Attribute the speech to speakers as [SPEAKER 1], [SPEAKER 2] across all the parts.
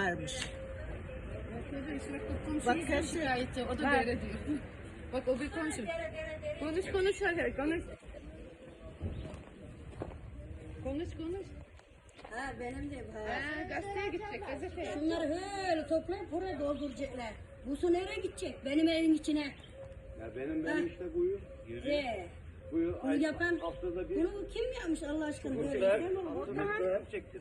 [SPEAKER 1] varmış.
[SPEAKER 2] Bak her şikayetçi, o da böyle diyor. Bak o bir komşu. Konuş hadi konuş. Konuş.
[SPEAKER 1] Ha benim de
[SPEAKER 2] Gazeteye gidecek gazeteye.
[SPEAKER 1] Şunları böyle toplayıp buraya dolduracaklar. Bu su nereye gidecek? Benim evin içine.
[SPEAKER 3] Ya benim işte buyur. Buyur.
[SPEAKER 1] Bunu yapan,
[SPEAKER 3] Haftada bir.
[SPEAKER 1] bunu kim yapmış Allah aşkına? Böyle
[SPEAKER 3] Muhtar çektir.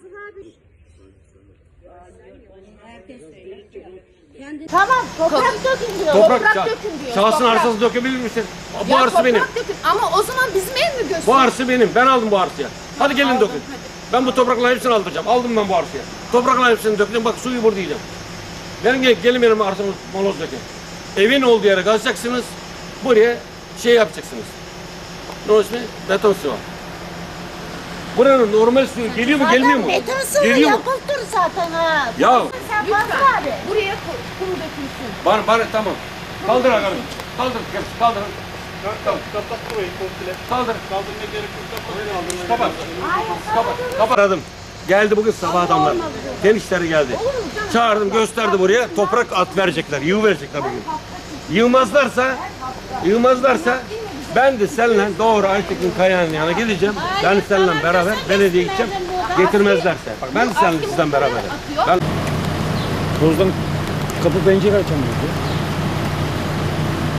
[SPEAKER 1] herkes söylüyor. Kendi
[SPEAKER 4] Tamam toprak dökün diyor.
[SPEAKER 5] Toprak
[SPEAKER 4] dökün diyor.
[SPEAKER 5] şahsın
[SPEAKER 4] toprak.
[SPEAKER 5] arsası dökebilir misin? Bu
[SPEAKER 4] Ya
[SPEAKER 5] arsa
[SPEAKER 4] toprak
[SPEAKER 5] benim.
[SPEAKER 4] Dökün. Ama o zaman bizim ev mi göster?
[SPEAKER 5] Bu arsa benim. Ben aldım bu arsaya. Hadi gelin dökün. Ben bu toprakların hepsini aldıracağım. Aldım ben bu arsaya. Toprakların hepsini dökeceğim. Bak suyu burada yiyeceğim. Gelin benim arsamı moloz dökün. Evin olduğu yere kazacaksınız. Buraya şey yapacaksınız. Ne o ismi? Beton sıva. Buranın normal suyu geliyor mu gelmiyor mu?
[SPEAKER 4] Zaten beton sıvı
[SPEAKER 5] Geliyor mu?
[SPEAKER 4] yapılır zaten ha.
[SPEAKER 5] Ya
[SPEAKER 4] Sen Fazıl abi.
[SPEAKER 2] Buraya kum dökülsün.
[SPEAKER 5] bana tamam. Kaldır akarım. Kaldır. Kaldır.
[SPEAKER 3] Kapat burayı komple.
[SPEAKER 5] Kaldır.
[SPEAKER 3] Kaldırmaya gerek yok.
[SPEAKER 5] Kapat. Kapat. Aradım. Geldi bugün sabah adamlar. Gençleri geldi. Çağırdım gösterdi buraya. Toprak at verecekler. Yığ verecekler bugün. Yığmazlarsa ben de seninle doğru Aytekin Kaya'nın yanına gideceğim. Ben seninle beraber belediye gideceğim. Getirmezlerse. Bak ben de seninle sizden beraber. Ben
[SPEAKER 6] Tozdan kapı pencere açamıyordu.